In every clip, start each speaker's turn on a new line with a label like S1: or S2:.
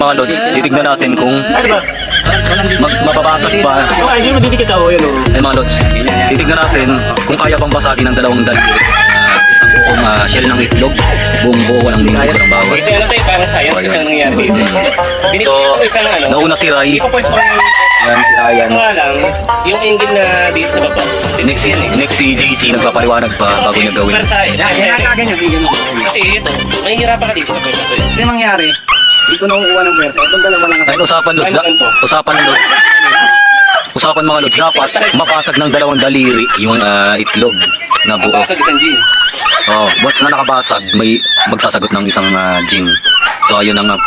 S1: Mga lods, titignan natin kung mababasag ba.
S2: Ay, hindi madidikit ako yun.
S1: Mga lods, titignan natin kung kaya bang basagin ng dalawang daliri. Isang buong shell ng itlog, buong buo walang lingkod ng bawat.
S2: Ito ano tayo, parang science kasi ang nangyari dito. Binigyan ko isang ano.
S1: Nauna si Rai.
S2: Ipopwes mo yung
S1: Yan si Ryan.
S2: nga lang, yung angle na dito sa baba.
S1: Next si JC nagpapaliwanag pa bago niya gawin.
S2: Para sa akin. Kasi ito, mahihirapan ka dito sa pwesa to.
S3: Kasi mangyari, dito na kukuha ng pwersa. Itong dalawa lang
S1: Ay, usapan lods. Usapan lods. Usapan mga lods, dapat mapasag ng dalawang daliri yung itlog na buo.
S2: Basag isang gin.
S1: Oh, once na nakabasag, may magsasagot ng isang gin. So ayun ang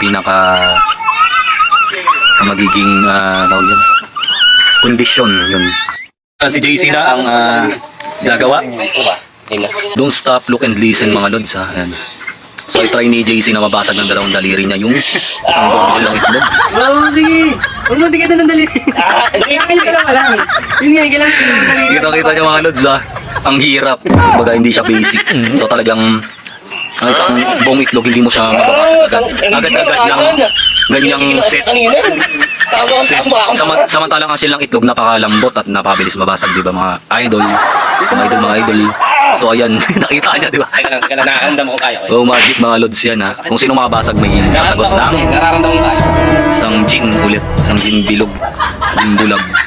S1: magiging tawag yun, kondisyon yun. Si JC na ang gagawa. Don't stop, look and listen mga lods ha. Ayan. So i-try ni JC na mabasag ng dalawang daliri niya yung isang buong ng itlog.
S3: Oo, sige. Huwag mo tigil ng dali. Kailangan ka lang lang. Yun nga, kailangan ka lang ng dali.
S1: Kita niyo mga lods ha. Ang hirap. Baga hindi siya basic. So talagang ang isang buong itlog hindi mo siya mababasag agad-agad lang ganyang set. Samantalang ang shell ng itlog napakalambot at napabilis mabasag, di ba mga idol? Mga idol. So ayan, nakita niya, di ba?
S2: Kailan nakaramdam ko kaya ko.
S1: Oh, magic mga lods yan ha. Kung sino makabasag may sasagot ng
S2: Nararamdam ko kaya.
S1: isang gin ulit, isang gin bilog, gin bulag.